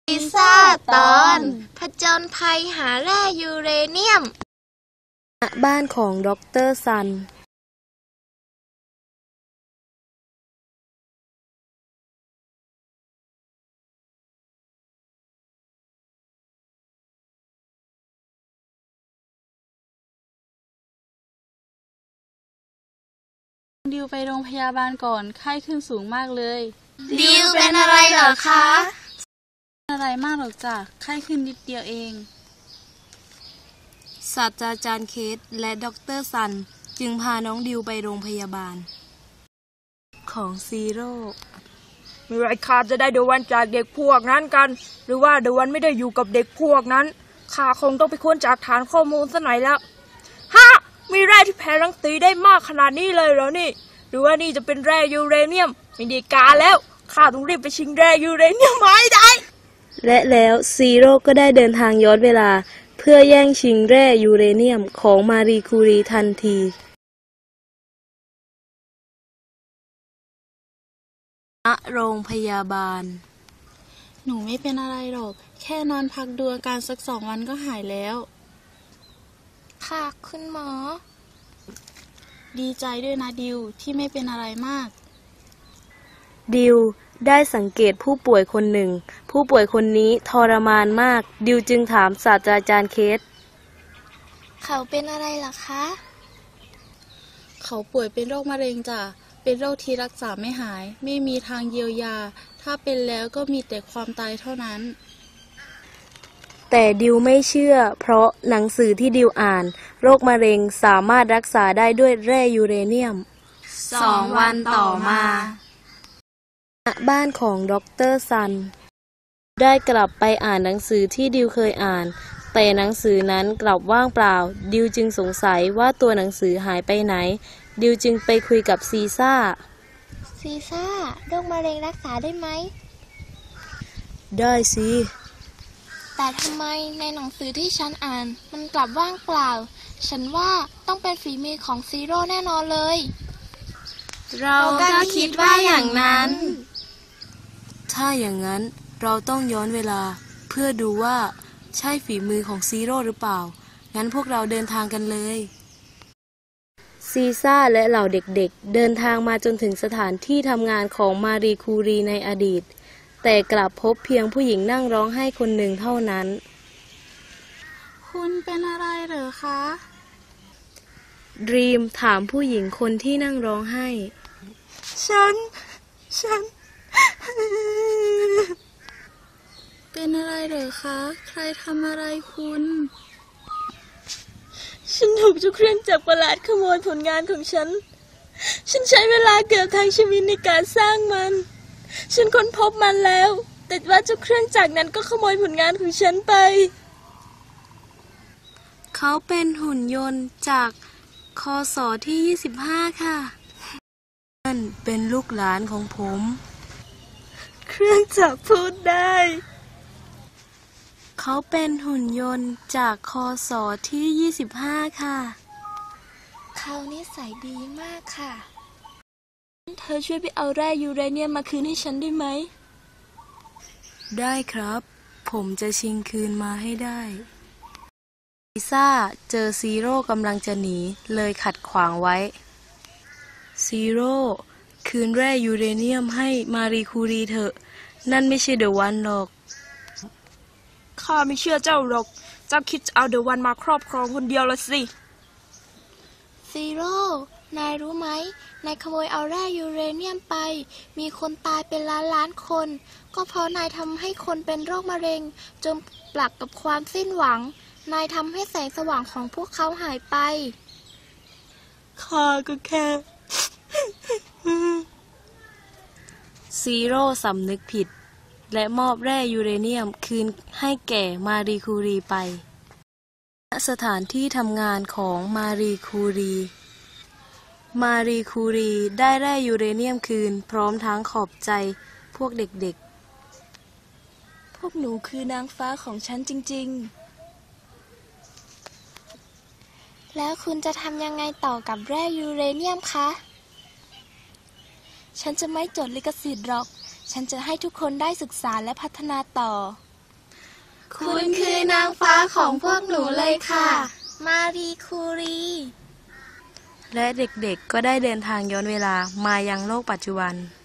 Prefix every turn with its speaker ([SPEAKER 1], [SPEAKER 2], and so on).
[SPEAKER 1] ลิซ่าตอนผจญภัยหาแร่ยูเรเนียม
[SPEAKER 2] ณบ้านของดร.ซัน
[SPEAKER 3] ดิวไปโรงพยาบาลก่อนไข้ขึ้นสูงมากเลย
[SPEAKER 1] ดิวเป็นอะไรเหรอคะ
[SPEAKER 3] อะไรมากหรอกจ้ะไข้ขึ้นนิดเดียวเอง
[SPEAKER 2] ศาสตราจารย์เคทและดร.ซันจึงพาน้องดิวไปโรงพยาบาลของซีโร่
[SPEAKER 4] เมื่อไรข้าจะได้เดวันจากเด็กพวกนั้นกันหรือว่าเดวันไม่ได้อยู่กับเด็กพวกนั้นข้าคงต้องไปค้นจากฐานข้อมูลซะหน่อยแล้วฮะมีแร่ที่แผ่รังสีได้มากขนาดนี้เลยเหรอนี่หรือว่านี่จะเป็นแร่ยูเรเนียมไม่ได้การแล้วข้าต้องรีบไปชิงแร่ยูเรเนียมมาให้ได้
[SPEAKER 2] และแล้วซีโร่ก็ได้เดินทางย้อนเวลาเพื่อแย่งชิงแร่ยูเรเนียมของมารีคูรีทันทีณโรงพยาบาล
[SPEAKER 3] หนูไม่เป็นอะไรหรอกแค่นอนพักดูอาการสัก2 วันก็หายแล้ว
[SPEAKER 1] ค่ะคุณหมอ
[SPEAKER 3] ดีใจด้วยนะดิวที่ไม่เป็นอะไรมาก
[SPEAKER 2] ดิวได้สังเกตผู้ป่วยคนหนึ่งผู้ป่วยคนนี้ทรมานมากดิวจึงถามศาสตราจารย์เคท
[SPEAKER 1] เขาเป็นอะไรล่ะคะ
[SPEAKER 3] เขาป่วยเป็นโรคมะเร็งจ้ะเป็นโรคที่รักษาไม่หายไม่มีทางเยียวยาถ้าเป็นแล้วก็มีแต่ความตายเท่านั้น
[SPEAKER 2] แต่ดิวไม่เชื่อเพราะหนังสือที่ดิวอ่านโรคมะเร็งสามารถรักษาได้ด้วยแร่ยูเรเนียม
[SPEAKER 1] 2 วันต่อมา
[SPEAKER 2] ณบ้านของดร.ซันได้กลับไปอ่านหนังสือที่ดิวเคยอ่านแต่หนังสือนั้นกลับว่างเปล่าดิวจึงสงสัยว่าตัวหนังสือหายไปไหนดิวจึงไปคุยกับซีซ่า
[SPEAKER 1] โรคมะเร็งรักษาได้ไหม
[SPEAKER 2] ได้สิ
[SPEAKER 1] แต่ทำไมในหนังสือที่ฉันอ่านมันกลับว่างเปล่าฉันว่าต้องเป็นฝีมือของซีโร่แน่นอนเลย
[SPEAKER 2] เราก็คิดว่าอย่างนั้นถ้าอย่างนั้นเราต้องย้อนเวลาเพื่อดูว่าใช่ฝีมือของซีโร่หรือเปล่างั้นพวกเราเดินทางกันเลยซีซ่าและเหล่าเด็กๆเดินทางมาจนถึงสถานที่ทำงานของมารีคูรีในอดีตแต่กลับพบเพียงผู้หญิงนั่งร้องไห้คนหนึ่งเท่านั้น
[SPEAKER 3] คุณเป็นอะไรเหรอคะ
[SPEAKER 2] ดรีมถามผู้หญิงคนที่นั่งร้องไห้
[SPEAKER 4] ฉัน
[SPEAKER 3] เป็นอะไรเหรอคะใครทำอะไรคุณ
[SPEAKER 4] ฉันถูกเจ้าเครื่องจักรประหลาดขโมยผลงานของฉันใช้เวลาเกือบทั้งชีวิตในการสร้างมันฉันค้นพบมันแล้วแต่ว่าเจ้าเครื่องจักรนั้นก็ขโมยผลงานของฉันไป
[SPEAKER 2] เขาเป็นหุ่นยนต์จากคศที่25ค่ะนั่นเป็นลูกหลานของผม
[SPEAKER 4] เครื่องจักรพูดได้
[SPEAKER 2] เขาเป็นหุ่นยนต์จากคศที่25ค่ะ
[SPEAKER 1] เขานิสัยดีมากค่ะ
[SPEAKER 4] เธอช่วยไปเอาแร่ยูเรเนียมมาคืนให้ฉันได้ไหม
[SPEAKER 2] ได้ครับผมจะชิงคืนมาให้ได้ลิซ่าเจอซีโร่กำลังจะหนีเลยขัดขวางไว้ซีโร่คืนแร่ยูเรเนียมให้มารีคูรีเถอะนั่นไม่ใช่เดอะวันหรอก
[SPEAKER 4] ข้าไม่เชื่อเจ้าหรอกเจ้าคิดจะเอาเดอะวันมาครอบครองคนเดียวละสิ
[SPEAKER 1] ซีโร่นายรู้ไหมนายขโมยเอาแร่ยูเรเนียมไปมีคนตายเป็นล้านคนก็เพราะนายทำให้คนเป็นโรคมะเร็งจมปลักกับความสิ้นหวังนายทำให้แสงสว่างของพวกเขาหายไป
[SPEAKER 4] ข้าก็แค่
[SPEAKER 2] ซีโร่สำนึกผิดและมอบแร่ยูเรเนียมคืนให้แก่มารีคูรีไปณสถานที่ทำงานของมารีคูรีได้แร่ยูเรเนียมคืนพร้อมทั้งขอบใจพวกเด็ก
[SPEAKER 4] ๆพวกหนูคือนางฟ้าของฉันจริง
[SPEAKER 1] ๆแล้วคุณจะทำยังไงต่อกับแร่ยูเรเนียมคะฉันจะไม่จดลิขสิทธิ์หรอกฉันจะให้ทุกคนได้ศึกษาและพัฒนาต่อคุณคือนางฟ้าของพวกหนูเลยค่ะ มารีคูรี
[SPEAKER 2] และเด็กๆก็ได้เดินทางย้อนเวลามายังโลกปัจจุบัน